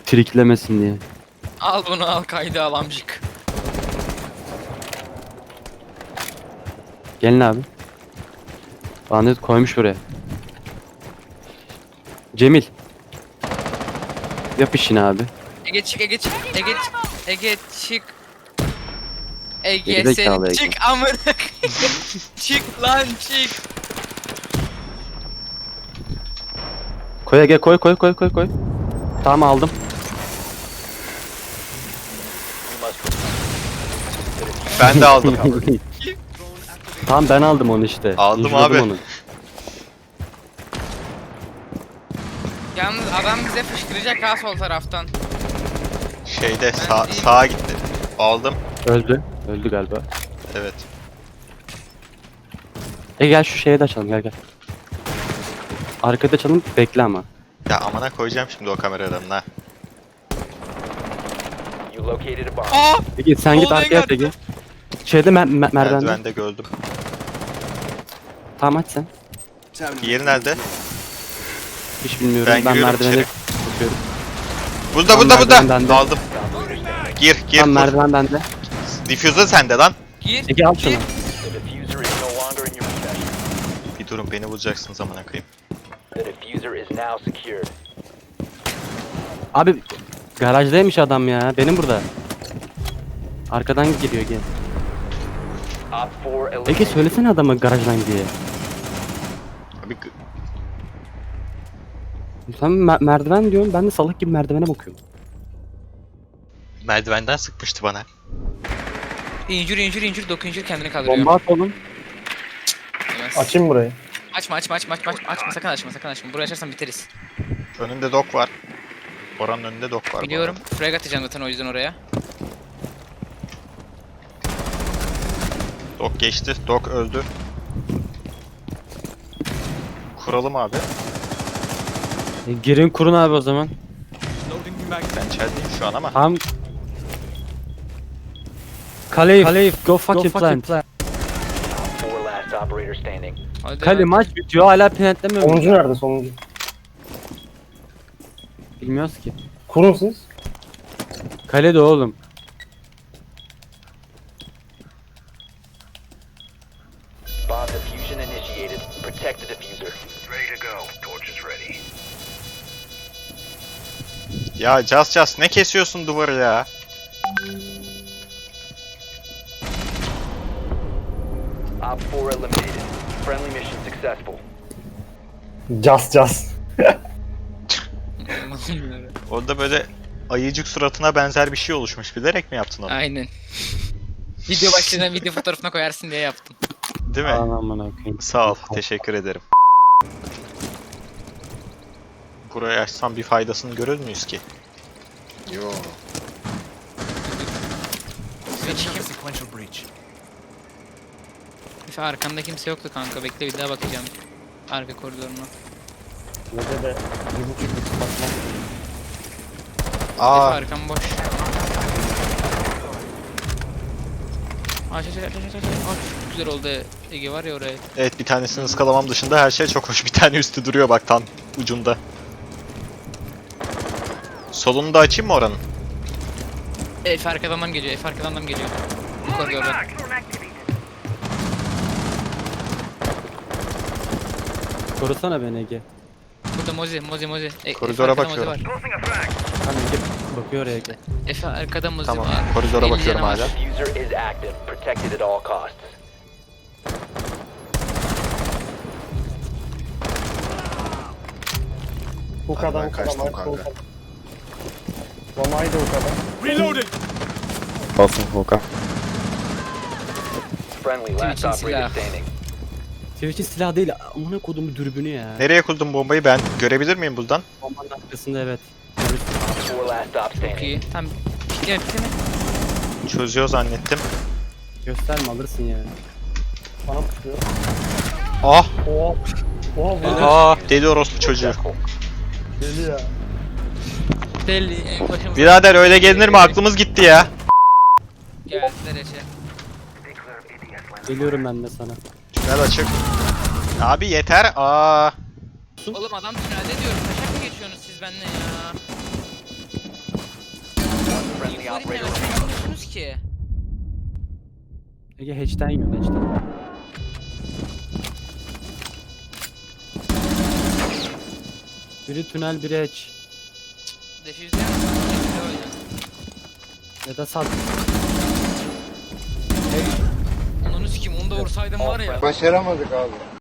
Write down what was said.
Triklemesin diye. Al bunu al kaydı al amcık. Gelin abi. Lanet koymuş buraya. Cemil. Yap işini abi. Ege çık Ege çık Ege çık Ege çık. Ege Gerizekalı sen Ege. çık amına koyayım. Çık lan çık. Koy Ege, koy. Tamam, aldım. Ben de aldım. Tamam, ben aldım onu işte. Aldım İncirledim abi. onu. Yalnız adam bize fışkıracak ha sol taraftan. Şeyde Ben değil. sağa gitti. Aldım. Öldü. Öldü galiba. Evet. Gel şu şeye de açalım, gel. Arkada açalım, bekle ama. Ya amına koyacağım şimdi o kameradan ha. You located a bomb. Aa! Ege sen git Olaya arkaya at geldi. Ege. Şeyde merdivende. Merdivende gördüm. Tamam, aç sen. Diğeri nerede? Hiç bilmiyorum. Ben Ben giriyorum merdivene içeri. bakıyorum. Burada. merdiven bende. Aldım. Gir Tamam, kur. merdiven bende. Diffuser sende lan. Gir. Ege al şunu. Gir. The diffuser is no longer in your possession. Bir durun beni bulacaksınız amına koyayım. The diffuser is now secured. Abi garajdaymış adam ya. Benim burada. Arkadan geliyor Ege. Op 4 Ege eliminated. söylesene adama garajdan diye. Abi Sen merdiven diyorsun, ben de salak gibi merdivene bakıyorum. merdivenden sıkmıştı bana. İncir doku incir kendini kaldırıyor. Bomba at oğlum. Yemez. Açayım burayı. Açma sakın açma. Burayı açarsan biteriz. Önünde dok var. Oranın önünde dok var. bu Biliyorum. arada. Frag atacağım zaten o yüzden oraya. Dok geçti. Dok öldü. Kuralım abi. Girin kurun abi o zaman. Ben içerideyim şu an ama. Tamam. Kaleyf, go fucking plant. Op 4 last operator standing. Hadi Kale lan. maç bitiyor, hala plantlemiyor mu? Sonuncu nerede sonuncu? Bilmiyoruz ki. Kurun siz. Kale de oğlum. Bomb diffusion initiated. Protect the diffuser. Ya Just ne kesiyorsun duvarı ya? Op 4 eliminated. Friendly mission successful. Just. Orada böyle ayıcık suratına benzer bir şey oluşmuş. Bilerek mi yaptın onu? Aynen. Video başlığına video fotoğrafına koyarsın diye yaptım. Değil mi? Aman okuyayım. Sağ ol. Teşekkür ederim. Burayı açsam bir faydasını görür müyüz ki? Yo. Efe arkanda kimse yoktu kanka. Bekle bir daha bakacağım. Arka koridoruna. Burada da 1.5 bakmak. Efe Aa, arkam boş. Aç. Çok güzel oldu Ege var ya oraya. evet bir tanesini ıskalamam dışında her şey çok hoş. Bir tane üstü duruyor bak tam ucunda. Solunu da açayım mı oranın? Efe arkadan adam geliyor. Bu koridordan. Korusana beni Ege. Burada Mozi. Koridora Efe arkada bakıyorum. Mozi var. Tamam Ege bakıyor oraya Ege. Efe arkada Mozi Tamam. var. Koridora 50 bakıyorum canı var. hala. Diffuser is active. Protected at all costs. Bu Hadi kadar ben kaçtım kanka. Mamayı da o kadar. Olsun Volkan. Friendly last Twitch'in operator silahı. standing. Twitch'in silah değil, amına kodumu dürbünü ya. Nereye kurdun bombayı ben görebilir miyim buradan? Bombanın arkasında evet. Op 4 last stop Çok standing. iyi. Tamam. Bitti mi? Çözüyor zannettim. Gösterme, alırsın ya. Bana tutuyor. Ah! Oha. Oha bu Ah! Deli orospu çocuğu. deli ya. Deli. Başımıza Birader öyle gelinir mi? Aklımız gitti ya. geldiler Efe. Geliyorum ben de sana. Tünel açık. Abi yeter. Aa! Oğlum adam tünelde diyorum. Taşak mı geçiyorsunuz siz benimle ya? Friendly İnfo operator dinlemez. Ne yapıyorsunuz ki? Ege hatch'ten yiyor hatch'ten. Biri tünel biri hatch. Defi izleyen misin? Defi oyna. Ya da sat. Onu sikeyim onu da vursaydım var ya. Başaramadık abi.